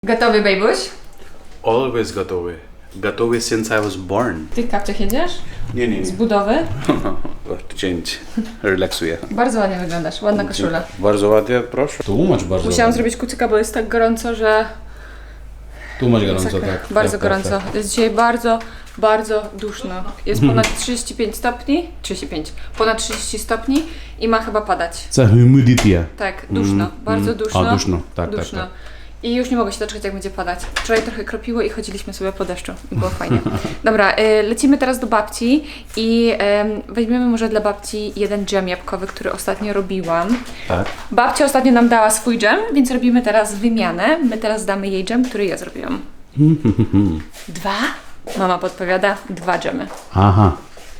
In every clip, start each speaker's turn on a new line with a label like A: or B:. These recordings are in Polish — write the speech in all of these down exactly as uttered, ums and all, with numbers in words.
A: Gotowy, bejbuś?
B: Always gotowy. Gotowy since I was born.
A: W tych kapciach jedziesz?
B: Nie, nie,
A: Z
B: nie.
A: budowy?
B: To change. Relaksuję.
A: Bardzo ładnie wyglądasz, ładna koszula.
B: Bardzo ładnie, proszę.
C: Tłumacz bardzo
A: Musiałam
C: ładnie.
A: zrobić kucyka, bo jest tak gorąco, że...
C: Tłumacz gorąco,
A: Masakra.
C: tak.
A: Bardzo
C: tak,
A: gorąco.
C: Tak, tak.
A: Jest dzisiaj bardzo, bardzo duszno. Jest ponad trzydzieści pięć stopni, trzydzieści pięć, ponad trzydzieści stopni i ma chyba padać.
C: Це humidity.
A: Tak, duszno, bardzo duszno.
C: A, duszno, tak,
A: duszno.
C: tak,
A: I już nie mogę się doczekać, jak będzie padać. Wczoraj trochę kropiło i chodziliśmy sobie po deszczu i było fajnie. Dobra, y, lecimy teraz do babci i y, weźmiemy może dla babci jeden dżem jabłkowy, który ostatnio robiłam.
C: Tak.
A: Babcia ostatnio nam dała swój dżem, więc robimy teraz wymianę. My teraz damy jej dżem, który ja zrobiłam. Dwa? Mama podpowiada, dwa dżemy.
C: Aha.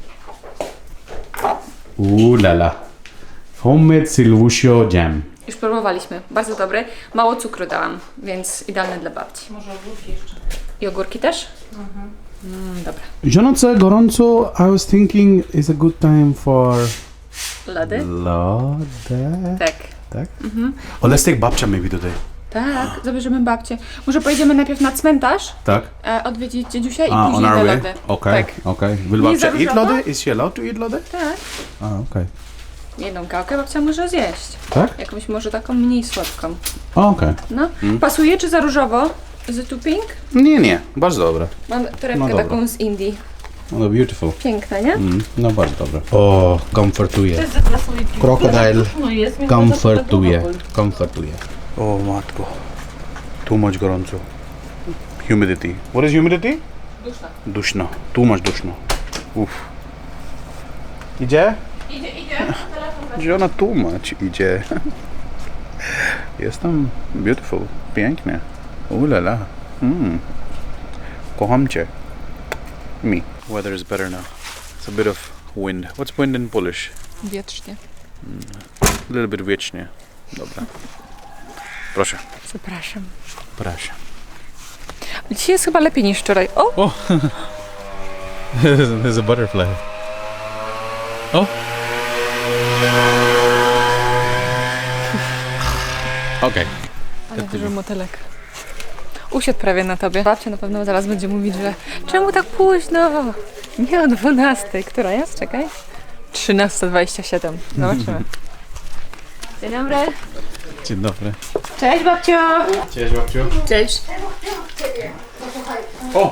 C: Ulala. Homemade Silvusio Jam.
A: Już próbowaliśmy, bardzo dobry. Mało cukru dałam, więc idealny dla babci. Może ogórki jeszcze. I ogórki też? Mhm. Mm, dobra.
C: Żonoce gorąco, I was thinking it's a good time for
A: Lody?
C: lode.
A: Tak.
C: Tak?
B: Oh, let's take babcia maybe today.
A: Tak, zabierzemy babcię. Może pojedziemy najpierw na cmentarz,
C: Tak?
A: e, odwiedzić dziedziusia i
B: Ah, on
A: później
B: our
A: te
B: way?
A: lody.
C: Okej,
A: Tak.
C: okej. Will
A: Nie
C: babcia
A: za
C: eat
A: różowo?
C: lody? Is she allowed to eat lody?
A: Tak.
C: A, okej.
A: Jedną gałkę babcia może zjeść.
C: Tak?
A: Jakąś może taką mniej słodką.
C: O, okej.
A: No. Pasuje czy za różowo? Z tuping?
B: Nie, nie. Bardzo dobre.
A: Mam torebkę
C: No dobra.
A: taką z Indii.
C: No beautiful.
A: Piękna, nie?
C: Mm, no bardzo dobre. O, komfortuje. Krokodyl komfortuje. Komfortuje.
B: O matko. Too much gorąco. Humidity. What is humidity?
A: Duszna.
B: Duszno. Too much duszno. Uff. Idzie?
A: Idzie, idzie.
B: Gdzie ona too much idzie? Jest tam beautiful. Pięknie. Ulala. Mm. Kocham cię. Me. Weather is better now. It's a bit of wind. What's wind in Polish?
A: Wietrznie.
B: A little bit wiecznie. Dobra. Proszę.
A: Zapraszam.
B: Proszę.
A: Dzisiaj jest chyba lepiej niż wczoraj. O!
C: There's a butterfly. Oh. Okay.
A: Ale dużo motylek. Usiadł prawie na tobie. Babcia na pewno zaraz będzie mówić, że czemu tak późno? Nie o dwunastej. Która jest? Czekaj. trzynasta dwadzieścia siedem. Zobaczymy. Dzień dobry.
C: Dzień dobry.
A: Cześć babcio.
C: Cześć babciu.
A: Cześć.
B: O!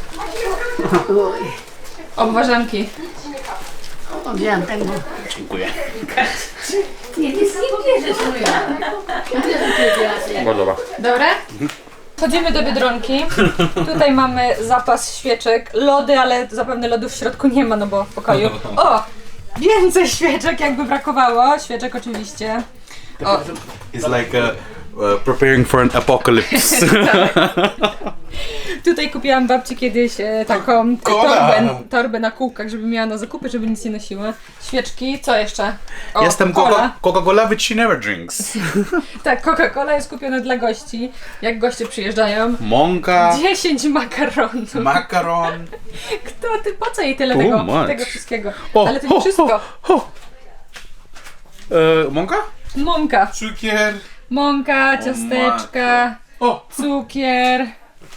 A: Obwarzanki.
D: Wiem tego.
B: Dziękuję.
D: Nie, nie, nie bierzesz moja.
B: Bardzo dobra.
A: Dobre? Chodzimy do Biedronki. Tutaj mamy zapas świeczek, lody, ale zapewne lodów w środku nie ma, no bo w pokoju. O! Więcej świeczek, jakby brakowało. Świeczek oczywiście. O,
B: It's like uh, uh, preparing for an apocalypse.
A: tutaj kupiłam babci kiedyś e, taką torbę, torbę na kółkach, żeby miała na zakupy, żeby nic nie nosiła. Świeczki, co jeszcze? O,
B: Jestem
A: cola.
B: Coca- Coca-Cola, which she never drinks.
A: Tak, Coca-Cola jest kupiona dla gości, jak goście przyjeżdżają.
B: Mąka,
A: dziesięć makaronów.
B: makaron.
A: Kto ty, po co jej tyle
B: Too
A: tego,
B: much.
A: tego wszystkiego?
B: O,
A: Ale to nie
B: ho,
A: wszystko.
B: ho, ho. E, mąka?
A: Mąka.
B: Cukier.
A: Mąka, ciasteczka,
B: O!
A: cukier,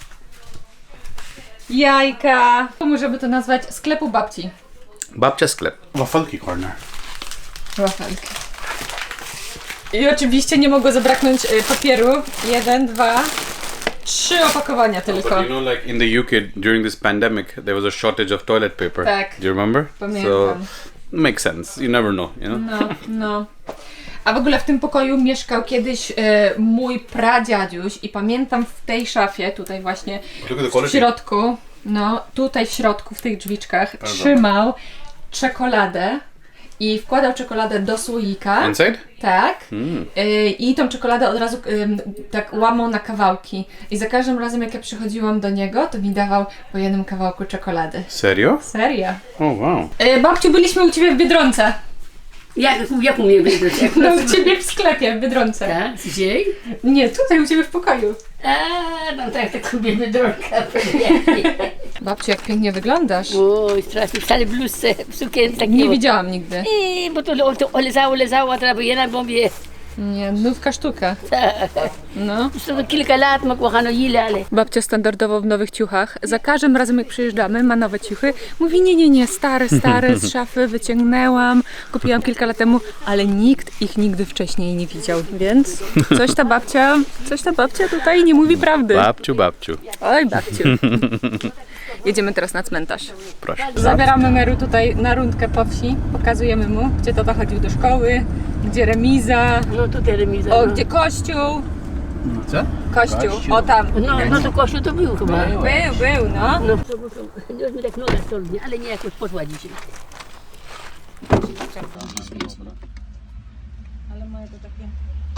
A: jajka. Żeby to nazwać sklepu babci.
B: Babcia sklep. Wafelki corner.
A: Wafelki. I oczywiście nie mogło zabraknąć y, papieru. Jeden, dwa, trzy opakowania tylko.
B: But you know, like in the U K during this pandemic, there was a shortage of toilet paper.
A: Tak.
B: Do you remember?
A: Pamiętam.
B: So, makes sense. You never know, you know?
A: No, no. A w ogóle w tym pokoju mieszkał kiedyś y, mój pradziadziuś i pamiętam w tej szafie, tutaj właśnie
B: Look at the
A: w
B: quality.
A: środku, no tutaj w środku, w tych drzwiczkach trzymał czekoladę i wkładał czekoladę do słoika.
B: Inside?
A: Tak.
B: Mm.
A: Y, I tą czekoladę od razu y, tak łamał na kawałki. I za każdym razem jak ja przychodziłam do niego, to mi dawał po jednym kawałku czekolady.
B: Serio?
A: Serio.
B: Oh wow.
A: Y, babciu, byliśmy u ciebie w Biedronce.
D: Jak, jak u mnie wyjść?
A: No u ciebie w sklepie w Biedronce.
D: Tak? Dzisiaj?
A: Nie, tutaj u ciebie w pokoju.
D: A, no tak, tak lubimy drogę.
A: Babciu, jak pięknie wyglądasz.
D: Oj, strasznie, wcale bluzce, sukience tak
A: Nie widziałam nigdy.
D: I, bo to, to olezało, lezało, a teraz bo jedna bombie.
A: Nie, nówka sztuka. No.
D: Już to kilka lat ma kochano ile, ale...
A: Babcia standardowo w nowych ciuchach. Za każdym razem jak przyjeżdżamy, ma nowe ciuchy. Mówi nie, nie, nie, stare, stare z szafy wyciągnęłam. Kupiłam kilka lat temu, ale nikt ich nigdy wcześniej nie widział. Więc coś ta babcia, coś ta babcia tutaj nie mówi prawdy.
B: Babciu, babciu.
A: Oj, babciu. Jedziemy teraz na cmentarz.
B: Proszę.
A: Zabieramy Meru tutaj na rundkę po wsi. Pokazujemy mu, gdzie tata chodził do szkoły, gdzie remiza,
D: No tutaj remiza.
A: o,
D: no.
A: gdzie kościół.
B: Co?
A: Kościół,
B: Kościół.
A: o tam.
D: No, no to kościół to był chyba.
A: Był, był, no.
D: No, to, to, to, już mi tak noga stolnie, ale nie jakoś poszła dzisiaj.
A: Ale mają to takie...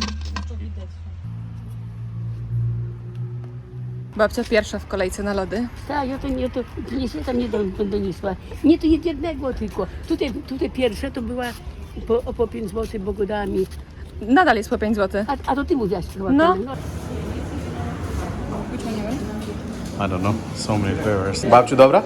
A: Babcia pierwsza w kolejce na lody.
D: Tak, ja to nie, to nie się tam nie do- doniosła. Nie, to jednego tylko. Tutaj, tutaj pierwsze to była po, po pięć złotych bogodami.
A: Nadal jest po pięć złotych.
D: A, a to ty mówiłaś chyba.
A: No.
D: no.
B: I don't know. So many flavors. Babciu, dobra?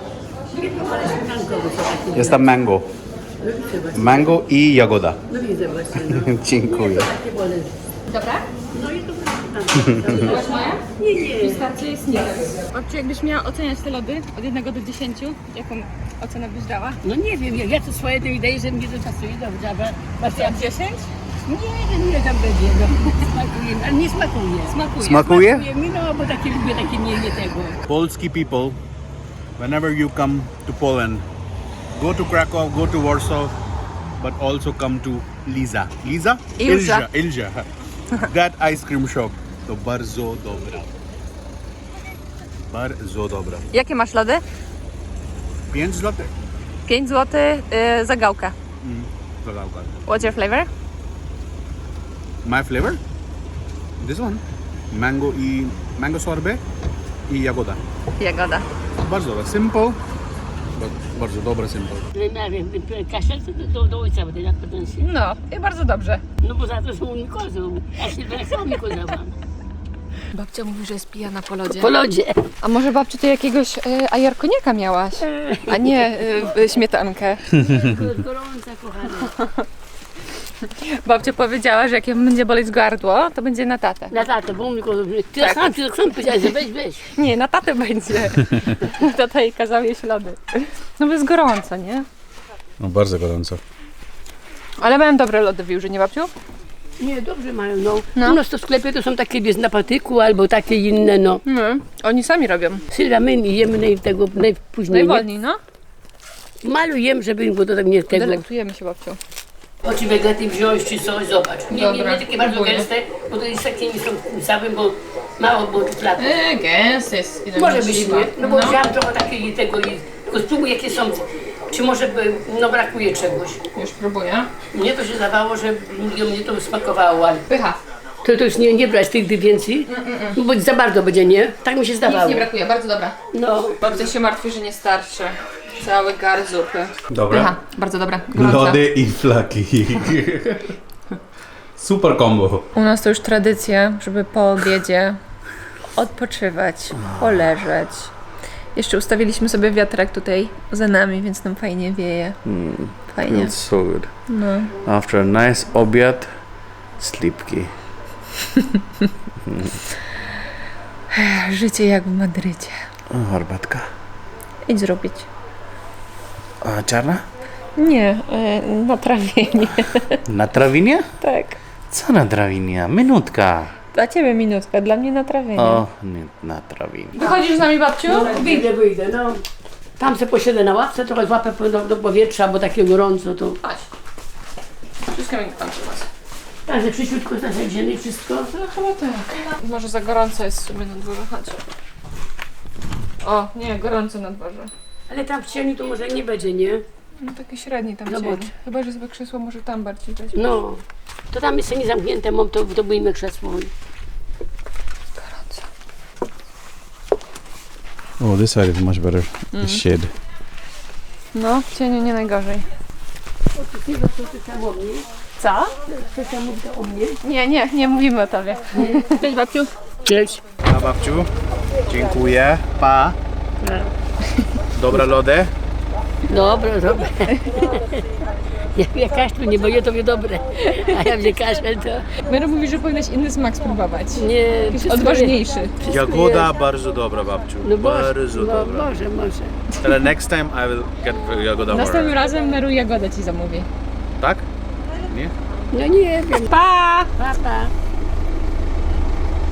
B: Jest tam mango. Mango i jagoda.
D: No widzę właśnie. No.
B: Dziękuję.
D: Takie wolę.
A: Dobra?
D: No i to
A: Byłaś moja?
D: Nie, nie.
A: Pistacje jest nie. Babciu, jakbyś miała oceniać te lody od jednego do dziesięciu, jaką ocenę byś dała?
D: No nie wiem, ja, ja to swoje to wydaje, że mnie to pasuje dobrze, ale właśnie jak
A: dziesięć?
D: nie wiem ile tam będzie, no smakuje, ale nie smakuje.
A: Smakuje.
B: Smakuje?
D: Smakuje mi, no bo takie lubię, takie nie, nie tego.
B: Polski people, whenever you come to Poland, go to Krakow, go to Warsaw, but also come to Liza. Liza?
A: Ilza.
B: Ilza. Ilza. That ice cream shop. To bardzo dobra. Bardzo dobra.
A: Jakie masz lody?
B: pięć złotych.
A: pięć złotych yy, za gałkę.
B: Mm, zagałka.
A: What's your flavor?
B: My flavor? This one. Mango i mango sorbet i jagoda.
A: Jagoda.
B: Bardzo dobra. Simple, but bardzo dobre simple.
D: Kaszel to do, do, do ojca będę na pretensji.
A: No, i bardzo dobrze.
D: No bo za to są mi kozą. Ja się będę sam mi kozałam.
A: Babcia mówi, że jest pijana po lodzie.
D: Po lodzie.
A: A może babciu ty jakiegoś y, ajarkoniaka miałaś? A nie y, y, śmietankę.
D: Gorąca, kochana.
A: Babcia powiedziała, że jak ją będzie boleć gardło, to będzie na tatę.
D: Na tato, bo mi kozą. Ty
A: Tak.
D: sam, ty sam powiedziałeś, że weź, weź.
A: Nie, na tatę będzie. Tata jej kazał jeść lody. No bo jest gorąco, nie?
B: No bardzo gorąco.
A: Ale mają dobre lody w Jóży, nie babciu?
D: Nie, dobrze mają, no.
A: No.
D: U nas to w sklepie to są takie bez napatyku albo takie inne, no.
A: No, oni sami robią.
D: Sylwia, my nie jemy naj, tego najpóźniej. Nie?
A: Najwolniej, no.
D: Malujemy, żeby było to tak nie tego.
A: Delektujemy się babcią.
D: Oczy wegaty wziąć czy coś, zobacz. Nie, nie,
A: Dobra,
D: nie takie bardzo
A: próbuję.
D: gęste, bo to jest takie nie są całym, bo mało było czekolady.
A: Eee, gęst jest.
D: Może być, nie? No bo wziąłam trochę takiego tego i tylko spróbuj jakie są, czy może by, no brakuje czegoś.
A: Już próbuję.
D: Mnie to się zdawało, że mnie to smakowało, ale
A: Pycha.
D: to, to już nie, nie brać tych więcej, no bo za bardzo będzie, nie? Tak mi się zdawało.
A: brakuje, bardzo dobra.
D: No,
A: Babcia się martwi, że nie starczy. Cały gar zupy.
B: Dobra.
A: Pycha, bardzo dobra. Gorąca.
B: Lody i flaki. Super combo.
A: U nas to już tradycja, żeby po obiedzie odpoczywać, poleżeć. Jeszcze ustawiliśmy sobie wiatrak tutaj za nami, więc nam fajnie wieje. Fajnie.
B: Feels so good.
A: No.
B: After a nice obiad, sleepki.
A: Życie jak w Madrycie.
B: O, herbatka.
A: Idź zrobić.
B: A czarna?
A: Nie, y, na trawienie.
B: Na trawinie?
A: Tak.
B: Co na trawinie? Minutka.
A: Dla ciebie minutka, dla mnie na trawienie.
B: O, nie, na trawinie.
A: Wychodzisz z nami, babciu?
D: wyjdę, wyjdę, no. Tam se posiedzę na ławce, trochę złapę do, do powietrza, bo takie gorąco to...
A: Chodź. Wszystko mi tam przy was.
D: Także przyciutko zasadzimy i wszystko.
A: No chyba tak. Może za gorąco jest w sumie na dworze, chodź. O, nie, gorąco na dworze.
D: Ale tam w cieniu to może nie będzie, nie?
A: No taki średni tam
D: Zobacz.
A: cień. Chyba, że sobie krzesło może tam bardziej dać.
D: No. To tam jest nie zamknięte, mam to, to byjmy krzesło.
A: Gorąco.
B: Oh, this side is much better. The shade.
A: No, w cieniu nie najgorzej.
D: Nie, to ty tam o mnie.
A: Co?
D: Chcesz tam mówić o mnie?
A: Nie, nie, nie mówimy o tobie. Cześć, babciu.
D: Cześć.
B: A babciu, dziękuję. Pa. Dobra lody.
D: Dobra, dobra. Jak ja kaszlu nie boję, to wie dobre. A jak mnie kaszel, to
A: Mero mówi, że powinnaś inny smak spróbować.
D: nie...
A: Jakiś
D: wszystko
A: odważniejszy.
D: jest- wszystko
B: Jagoda
D: jest.
B: bardzo dobra, babciu.
D: No może,
B: bardzo
D: no,
B: dobra.
D: może, może.
B: Ale next time I will get jagoda more.
A: Następnym razem Meru Jagoda ci zamówi.
B: Tak? Nie?
D: No nie wiem.
A: Pa!
D: Pa, pa.